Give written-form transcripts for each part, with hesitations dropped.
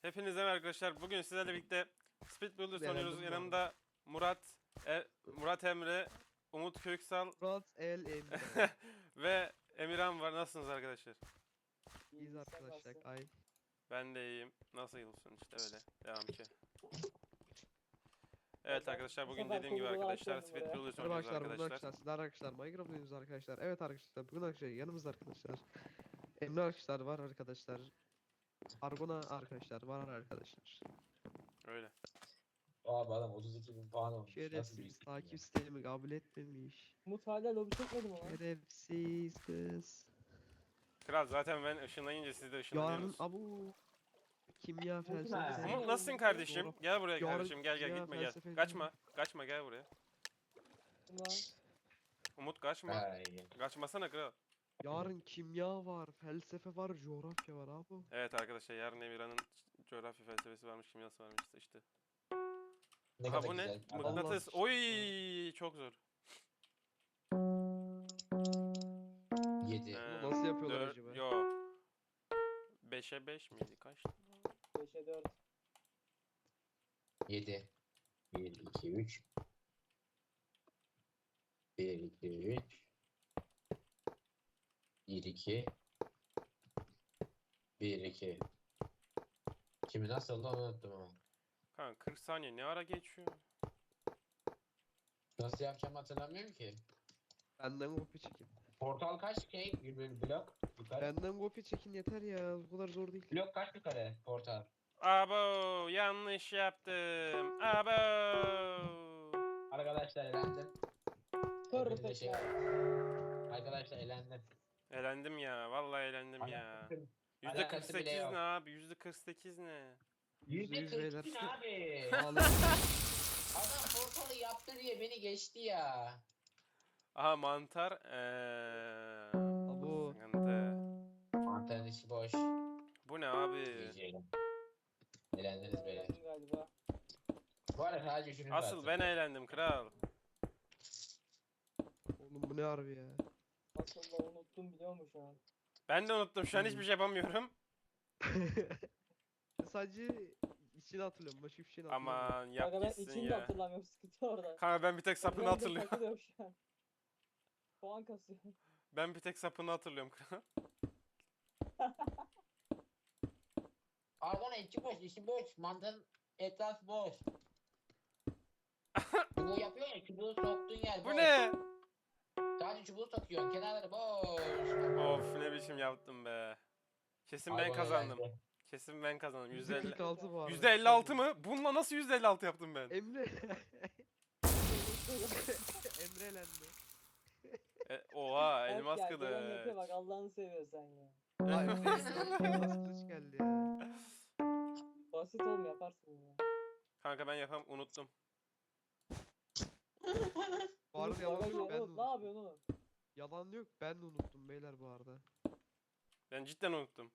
Hepinize merhaba arkadaşlar. Bugün sizlerle birlikte Speed Builders oynuyoruz. Beğendim Yanımda Murat Emre, Umut Köksal Murat El Emre. ve Emirhan var. Nasılsınız arkadaşlar? İyiyiz arkadaşlar. Ay. Ben de iyiyim. Nasıl yılsın işte öyle. Devam ki. Evet arkadaşlar bugün dediğim gibi arkadaşlar Speed Builders Merhaba oynuyoruz arkadaşlar. Bugün arkadaşlar. arkadaşlar sizler arkadaşlar Minecraft oynuyoruz arkadaşlar. Evet arkadaşlar bugün arkadaşlar yanımızda arkadaşlar Emre arkadaşlar var arkadaşlar. Argona arkadaşlar var arkadaşlar. Öyle. Abi adam 32.000 puan olmuş. Nasıl bir Şerefsiz isim takip ya? sistemi kabul etmemiş. Umut hala lobi çekmedi mi lan? Şerefsiz kız. Kral zaten ben ışınlayınca siz de Yarın ışınlanıyorsunuz. abu. Kimya Umut felsefe. Umut nasılsın kardeşim? Doğru. Gel buraya Yarın kardeşim. Gel kimya gitme gel. felsefe. Kaçma. Kaçma gel buraya. Ulan Umut kaçma. Ay. Kaçmasana kral. Yarın kimya var, felsefe var, coğrafya var abi. Evet arkadaşlar yarın Emirhan'ın coğrafya felsefesi varmış, kimyası varmış işte. Ne Aha kadar bu ne? güzel. Adam Mıknatıs. Allah. Oy çok zor. 7. Bunu nasıl yapıyorlar acaba? Yo. 5'e 5 miydi? Kaçtı? 5'e 4. 7. 1, 2, 3. 1, 2, 3. 1, 2. 1, 2. Şimdi nasıl onu unuttum ama. Kanka 40 saniye ne ara geçiyor? Nasıl yapacağımı hatırlamıyorum ki. Benden kopya çekin. Portal kaç şey? Bir blok yukarı. Benden kopya çekin yeter ya. Bu kadar zor değil. Blok kaç yukarı? Portal. Abo yanlış yaptım. Abo. Arkadaşlar elendim. Hepinize Perfect şey- ya. Arkadaşlar elendim. Elendim ya. Vallahi elendim ya. Alakası bile %48 yok. ne abi? %48 ne? %100 beyler. %42 abi. Ağlayın. Adam portalı yaptı diye beni geçti ya. Aha mantar. Abo. Sıkıntı. Mantarın içi boş. Bu ne abi? Diyeceğim. Eğlendiniz beyler. Eğlendim galiba. Bu arada sadece şunu Asıl ben eğlendim kral. Oğlum bu ne harbi ya. Aslında unuttum biliyor musun şu an? Ben de unuttum. Şu an hiçbir şey yapamıyorum. Sadece içini hatırlıyorum. Başka hiçbir şeyini hatırlamıyorum. Aman Kanka yap ben gitsin içini de ya. hatırlamıyorum, sıkıntı orada. Kanka ben bir tek sapını Random hatırlıyorum. takılıyorum şu an. Puan kasıyorum. Ben bir tek sapını hatırlıyorum kral. Argona içi boş, içi boş. Mantarın etrafı boş. Çubuğu yapıyor ya, çubuğu soktuğun yer Bu boş. ne? Sadece çubuğu sokuyorsun, kenarları boş. Of ne biçim yaptım be. Kesin ben Argona kazandım. elendi. Kesin ben kazandım. %50. %46 bu arada. %56 mı? Bununla nasıl %56 yaptım ben? Emre. Emre elendi. Oha Evet elmas ya, gelen yapıyor kılıç. bak, Allah'ını seviyorsan ya. Ay elmas kılıç geldi ya. Basit oğlum, yaparsın ya. Kanka ben yapam unuttum. Bu arada Umut, yalan yok ben de Umut, ne unuttum. yapıyorsun oğlum? Yalan yok ben de unuttum beyler bu arada. Ben cidden unuttum.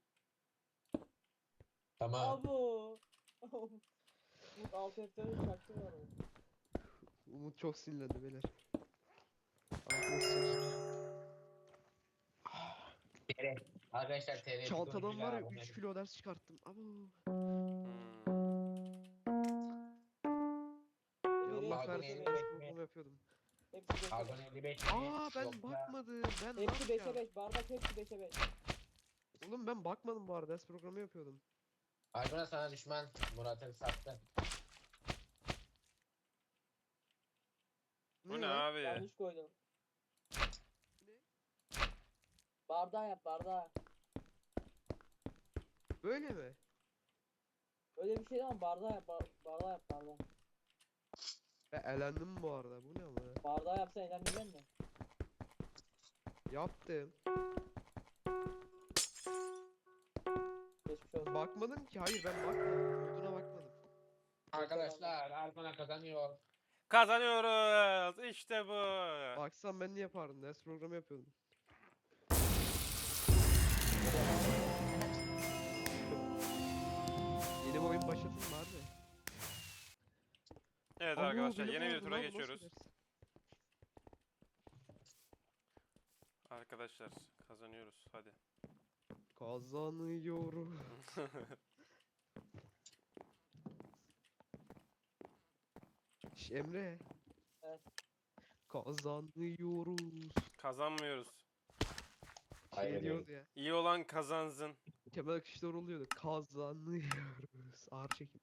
Tamam. Abo. Umut 6 F'leri çaktı var oğlum. Umut çok sinirlendi beyler. Ağzına sıçayım. Arkadaşlar TR Çantadan var ya 3 kilo ders çıkarttım. Abo. Hmm. Ya Emir'i Allah Pardon, versin Emre. ders programı yapıyordum. Hepsi 5'e 5. Argona 55. Aa ben Yoksa- bakmadım. Ben ne Hepsi 5'e yapacağım? 5. Bardak hepsi 5'e 5. Oğlum ben bakmadım bu arada ders programı yapıyordum. Argona sana düşman. Murat'ı sattı. Bu ne lan? abi? Yanlış koydum. Ne? Bardağı yap, bardağı. Böyle mi? Öyle bir şey değil ama bardağı yap, bardağı yap, bardağı. Ben elendim bu arada. Bu ne ama? Bardağı yapsa eğlenmeyecek mi? Yaptım. Geçmiş olsun. Bakmadım ki. Hayır ben bakmadım. Moduna bakmadım. Arkadaşlar Argona kazanıyor. Kazanıyoruz. İşte bu. Baksam ben ne yapardım? Ders programı yapıyordum. Yeni bir oyun başlatın mı abi? Evet Abo, arkadaşlar benim yeni bir oldu tura lan, geçiyoruz. nasıl ders? Arkadaşlar kazanıyoruz hadi. Kazanıyorum. Emre. Evet. Kazanıyoruz. Kazanmıyoruz. Şey diyordu ya. İyi olan kazansın. Kemal Akışlar oluyordu. Kazanıyoruz. Ağır çekim.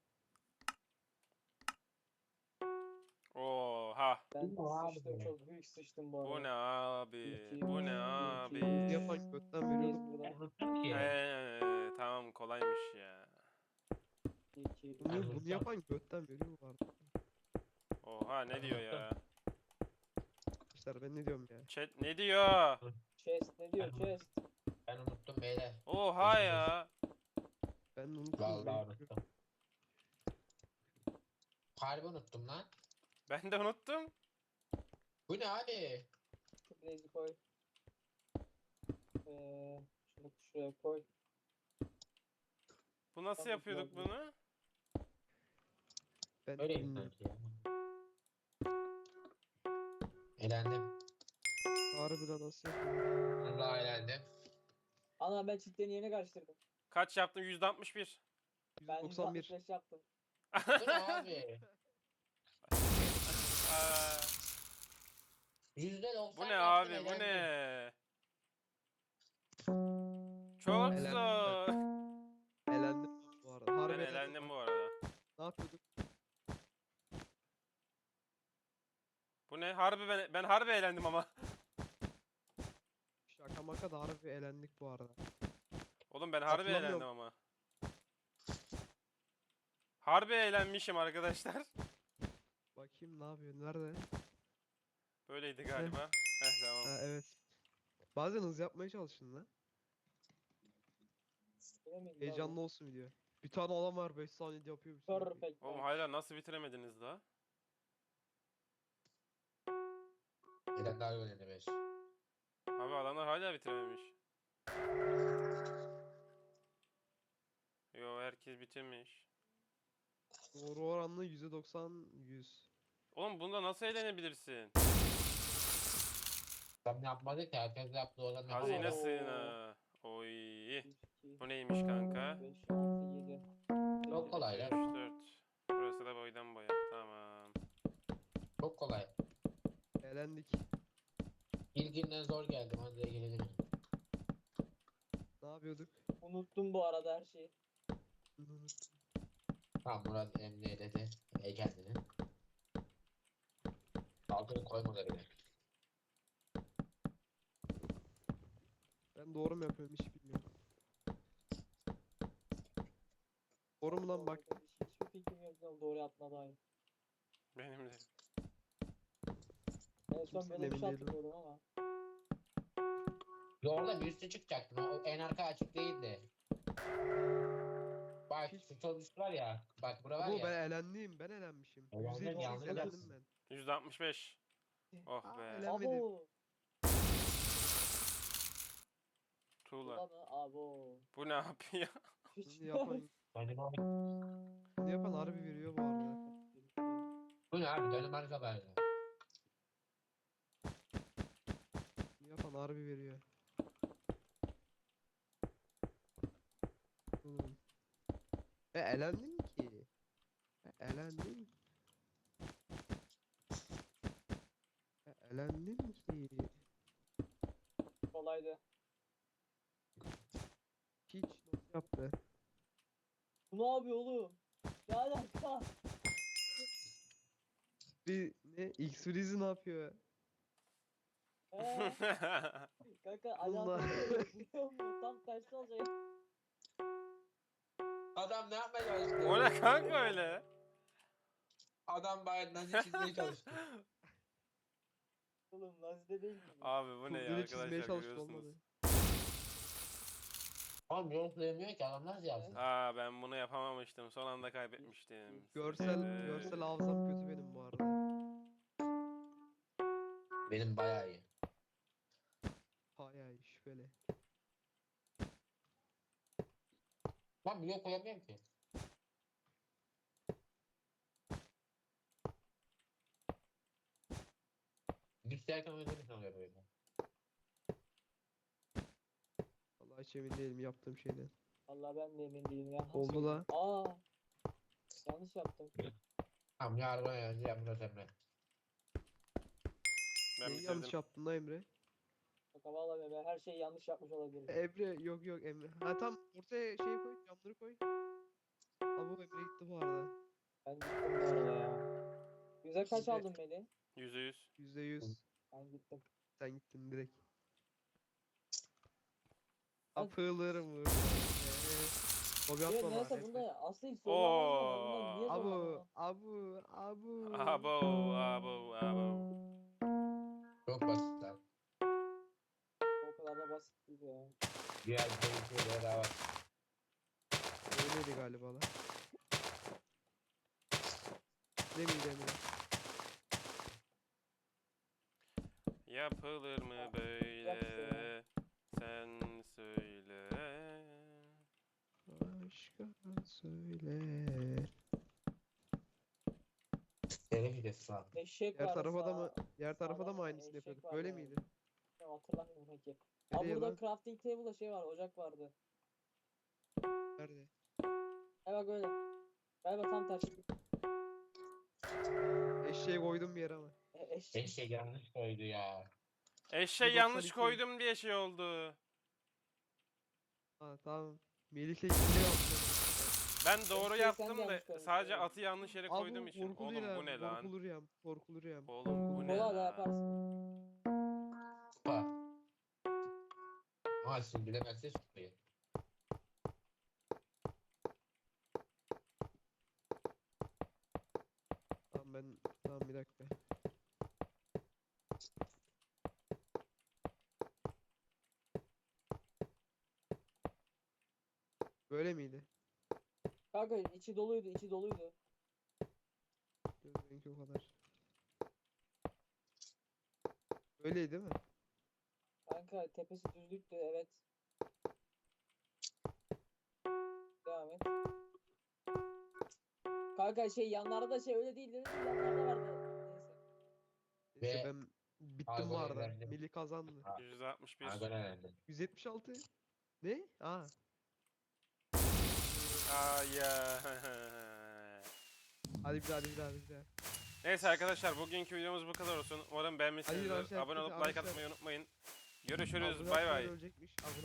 Oha. Ben abi sıçtım, be. çok büyük sıçtım bu arada. Bu ne abi? İki, Bu ne iki, abi? Hızlı yapan götten Neyiz veriyordum. burada? Unuttum ki. Tamam kolaymış ya. 2, Bunu yapan götten veriyor bu arada. Oha ne diyor ya? Arkadaşlar ben ne diyorum ya? Chat ne diyor? chest ne diyor chest? Ben unuttum beyler. Oha ya. Ben unuttum. Vallahi unuttum. Harbi unuttum lan. Ben de unuttum. Bu ne abi? Şu blaze'i koy. Şunu şuraya koy. Bu nasıl Tamam, yapıyorduk tamam. bunu? Ben Öyleydi bilmiyorum. sanki ya. Elendim. Harbiden nasıl yapıyor? Vallahi elendim. Ana ben çiftlerin yerine karıştırdım. Kaç yaptın? %61. Ben 191. 165 yaptım. Bu ne abi? Aa, %90 bu ne yaptım, abi? Bu elendim. ne? Çok Elendim zor. Elendim bu arada. Harbi Ben elendim bu arada. Ne yapıyorduk? Bu ne? Harbi ben harbi eğlendim ama. Şaka maka da harbi elendik bu arada. Oğlum ben harbi Hatırlamıyorum. eğlendim ama. Harbi eğlenmişim arkadaşlar. Bakayım ne yapıyor? Nerede? Böyleydi galiba. Tamam. Ha evet. Bazen hız yapmaya çalışın lan. Öyle miydi Heyecanlı abi? olsun video. Bir tane adam var 5 saniyede yapıyor. bir şey yapıyor. Perfect. Oğlum hala nasıl bitiremediniz daha? Elen daha öyle 5. Abi adamlar hala bitirememiş. Yo herkes bitirmiş. Doğru oranlı %90 100. Oğlum bunda nasıl eğlenebilirsin? Tam yapmadık ya. Herkes yaptı olan Hazine yapamadı. sığınağı. Oy. 1, 2, Bu neymiş kanka? 5, 6, 7. Çok kolay lan. 4. Burası da boydan boya. Tamam. Çok kolay. Elendik. İlkinden zor geldim. Hadi de gelelim. Ne yapıyorduk? Unuttum bu arada her şeyi. Tamam Murat Emre eledi. Kendini. Altını koymadı bile. Ben doğru mu yapıyorum hiç bilmiyorum. Doğru mu lan bak. Hiçbir fikrim yok lan doğru yapma dair. Benim de. En son Kimsenin böyle bir şey emin değilim. hatırlıyorum ama. Yolda bir üstü çıkacaktın. O en arka açık değildi. Bak Hiç- şu sol üst var ya. Bak bura var Bu ya. ben elendim. Ben elenmişim. Elendin, 158 yanlış elendim yaptın. ben. %65. Oh Aa, be. elenmedim. Abo. Tuğla. Ulan abo. Bu ne yapıyor? Hiç Bunu yapan, bunu yapan harbi veriyor bu arada. Bu ne abi? Danimarka verdi. Bunu yapan harbi veriyor. Hmm. Elendim ki. Elendim. Elendim ki. Kolaydı. Hiç nasıl yaptı? Bu ne yapıyor oğlum? Ne alaka? Bir ne? X-Freeze ne yapıyor? He, kanka Allah. alakası yok biliyor musun? Tam tersi olacak. Adam ne yapmaya çalıştı? O ne kanka öyle? Adam bayağı nazi çizmeye çalıştı. Oğlum Nazi'de değil mi? Abi bu ne ya Kurdele çizmeye arkadaşlar çalıştı görüyorsunuz. olmadı. Oğlum yol sığmıyor ki adam nasıl yapsın? Aa ben bunu yapamamıştım. Son anda kaybetmiştim. Görsel hafızam kötü benim bu arada. Benim bayağı iyi. Hay şüpheli. Ben blok koyamıyorum ki. Yükselken öyle bir şey oluyor böyle. Vallahi hiç emin değilim yaptığım şeyden. Vallahi ben de emin değilim ya. Oldu la. Aa. Yanlış yaptım. Tamam yarın oynayacağım Murat Emre. Ben Neyi bitirdim. yanlış yaptın da Emre? Bak vallahi ben her şeyi yanlış yapmış olabilirim. Emre yok Emre. Ha tam ortaya şey koy, camları koy. Ha bu Emre gitti bu arada. Ben gittim bu arada ya. Yüze kaç Yüze- aldın Melih? %100. %100. Ben gittim. Sen gittin direkt. Lan- Apılır mı? Hobi Evet atma neyse bari. bunda aslında hiç zorlamazdım ama bundan niye Oo. zorlamadın? Abu. Abo. Çok basit lan. O kadar da basit değil ya. Diğer şeyleri daha var. Öyleydi galiba lan. Ne miydi Emre? Yapılır mı böyle? Sen söyle. Başka söyle. Telif yiyeceğiz lan. Eşek Diğer var tarafa da mı? sağ. Diğer tarafa da sağda mı aynısını eşek yapıyorduk? var Böyle yani. miydi? Ya hatırlamıyorum peki. Aa Nereye burada lan? crafting table'da şey var, ocak vardı. Nerede? Ha bak öyle. Galiba tam tersi. Eşeği koydum bir yere ama. Eşek. Eşek yanlış koydu ya. Eşeği 192. yanlış koydum diye şey oldu. Ha tamam. Melih'le ilgili yaptım. Ben doğru Eşeği sen yaptım yanlış da koymuşsun, sadece evet. atı yanlış yere koyduğum için. Oğlum bu ne lan? Korkulur yam. Oğlum bu ne Kolay da lan? yaparsın. Bak. Ama şimdi bilemezse süpeyi. Tamam bir dakika. Böyle miydi? Kanka içi doluydu, içi doluydu. Benimki o kadar. Öyleydi değil mi? Kanka tepesi düzlüktü, evet. Devam et. Kanka şey yanlarda da şey öyle değil dedim, yanlarda vardı. Neyse. Neyse Ve ben bittim Argo bu arada. eğlendim. Melih kazandı. Ha, 161. Argon önemli. 176. Ne? Aa. Ay ya. Hadi bir daha. Neyse arkadaşlar bugünkü videomuz bu kadar olsun. Umarım beğenmişsinizdir. arkadaşlar, Abone olup like arkadaşlar. atmayı unutmayın. Görüşürüz. Abone Bay olmayan bay. ölecekmiş. Abone